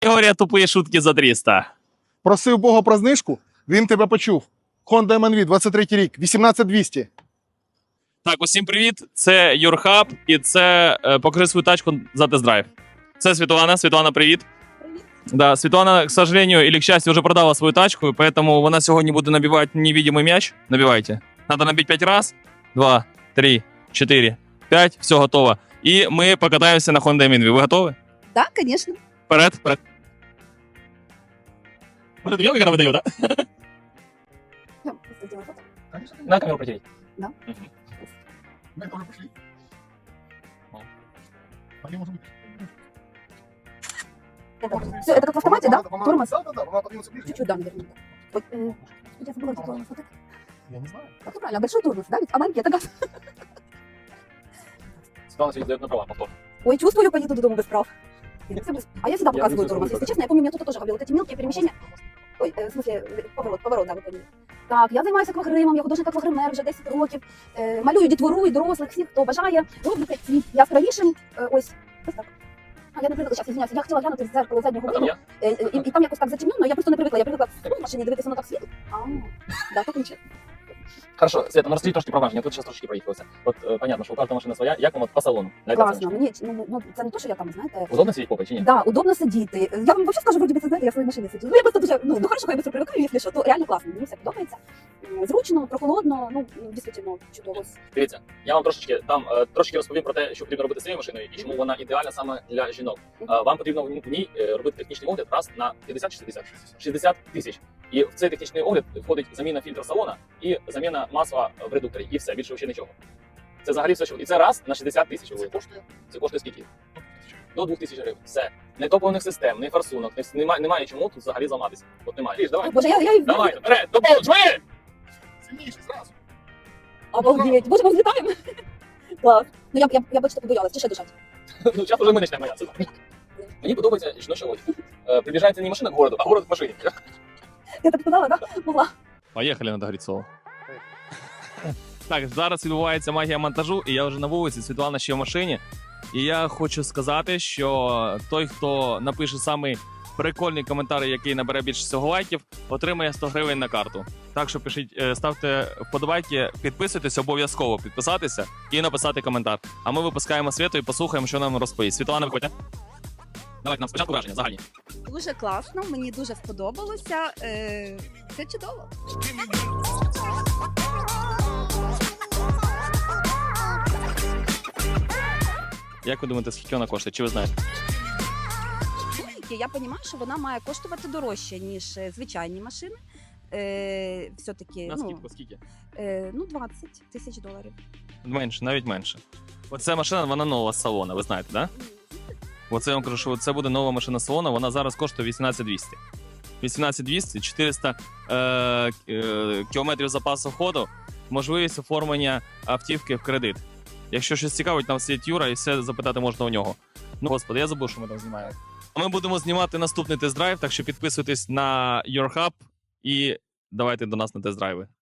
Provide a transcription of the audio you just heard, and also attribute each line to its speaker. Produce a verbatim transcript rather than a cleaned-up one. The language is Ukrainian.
Speaker 1: Говорять, тупі шутки за триста.
Speaker 2: Просив Бога про знижку, він тебе почув. Honda ем ен ві, двадцять третій рік, вісімнадцять двісті.
Speaker 1: Так, усім привіт. Це Юрхаб і це е, покажи свою тачку за тест-драйв. Це Світлана. Світлана, привіт.
Speaker 3: Привіт.
Speaker 1: Да, Світлана, к сожалению, или к счастью, уже продала свою тачку, поэтому вона сьогодні буде набивати невидимий мяч. Набивайте. Надо набить пять раз. Два, три, четыре, пять. Все, готово. І ми покатаємося на Honda ем ен ві. Ви готові?
Speaker 3: Да, конечно.
Speaker 1: Вперед, вперед. Вот это видел, как она выдает, да?
Speaker 3: Я просто сделаю фото.
Speaker 1: На камеру протереть.
Speaker 3: Да.
Speaker 2: Мы тоже пошли. Они, может быть.
Speaker 3: Это, все, это как в автомате, да? Тормоз.
Speaker 2: Да, да, да, она подвинется ближе.
Speaker 3: Чуть-чуть, да, наверное. Вот, э, я забыла, где тормоз. Вот это.
Speaker 2: Я не знаю.
Speaker 3: Так, ну правильно, а большой тормоз, да? Ведь, а маленький это газ.
Speaker 1: Светлана сегодня дает на права, повтор.
Speaker 3: Ой, чувствую, поеду до дома без прав. Все без- А я всегда
Speaker 1: Я
Speaker 3: показываю
Speaker 1: люблю
Speaker 3: тормоз.
Speaker 1: свой
Speaker 3: Если честно, я помню, меня кто-то тоже говорил, вот эти мелкие перемещения. Ой, э, в смысле, э, поворот, поворот, да, ви поняли. Так, я займаюся аквагримом, я художник аквагример вже десять років. Е, малюю дітвору і дорослих, всіх, хто бажає. Роблю цвіт яскравішим. Е, ось, ось так. А я не привикла, зараз, извиняюся, я хотіла глянути в дзеркало заднього
Speaker 1: А там
Speaker 3: виду.
Speaker 1: я?
Speaker 3: Е, е, і, і там якось так затемнено, я просто не привикла. Я привикла в машині дивитися, воно так світло. А, да, так нічого.
Speaker 1: Хорошо, Света, ну расскажи трошки про враження. Тут сейчас трошки проїхалося. От е, понятно, що у кожної машина своя. Як вам от по салону? На
Speaker 3: Класно, мені, ну, ну, це не то, що я там, знаєте,
Speaker 1: Удобно сидіти попой чи ні?
Speaker 3: да, удобно сидіти. Я вам взагалі скажу, вроді би, це знаєте, я в своїй машині сиджу. Ну, я просто дуже, ну, ну хорошо, я быстро привикаю, якщо що, то реально класно, мені все подобається. М, Зручно, прохолодно, ну, дійсно чудово.
Speaker 1: Дивіться, я вам трошечки там е, трошки розповім про те, що потрібно робити з цією машиною і чому вона ідеальна саме для жінок. Е, Вам потрібно в ній е, робити технічний огляд раз на п'ятдесят чи шістдесят? шістдесят тисяч. І в цей технічний огляд входить заміна фільтра салона і заміна масла в редукторі. І все, більше ще нічого. Це взагалі все, що... І це раз на шістдесят тисяч.
Speaker 2: Це коштує?
Speaker 1: Це коштує скільки? До двох тисяч гривень. Все. Не топливних систем, не форсунок, не, немає, немає чому тут взагалі зламатися. От немає. Ліж, давай.
Speaker 3: Боже, я, я,
Speaker 1: Давай, вперед, до полу, жми!
Speaker 2: Сильніше, зразу.
Speaker 3: Обалдеть. Боже, ми взлітаємо. Клас. Ну, я, я, я бачите, побоялась, чи ще дишати?
Speaker 1: Ну, зараз вже ми почнемо боятися. Мені подобається жіноча одяг. Е, Приближається не машина к городу, а город к машині.
Speaker 3: Я так сказала, да? Могла.
Speaker 1: Поїхали на Грицово. Так, зараз відбувається магія монтажу, і я вже на вулиці, Світлана ще в машині. І я хочу сказати, що той, хто напише самий прикольний коментар, який набере більше всього лайків, отримає сто гривень на карту. Так що пишіть, е, ставте вподобайки, підписуйтесь, обов'язково підписатися і написати коментар. А ми випускаємо Світу і послухаємо, що нам розповість. Світлана, виходьте. Давайте нам спочатку враження, загальні.
Speaker 4: Дуже класно, мені дуже сподобалося. Е, Це чудово.
Speaker 1: Як ви думаєте, скільки вона коштує? Чи ви знаєте?
Speaker 4: Я розумію, що вона має коштувати дорожче, ніж е, звичайні машини. Е, Все-таки
Speaker 1: На
Speaker 4: ну,
Speaker 1: скидку скільки?
Speaker 4: е, ну, двадцять тисяч доларів.
Speaker 1: Менше, навіть менше. Оця машина, вона нова з салона, ви знаєте, так? Да? Оце я вам кажу, що це буде нова машина салона, вона зараз коштує вісімнадцять двісті. вісімнадцять двісті, чотириста е, е, кілометрів запасу ходу, можливість оформлення автівки в кредит. Якщо щось цікавить, там світ Юра і все запитати можна у нього. Ну, господи, я забув, що ми там знімаємо. А ми будемо знімати наступний тест-драйв, так що підписуйтесь на Your Hub і давайте до нас на тест-драйви.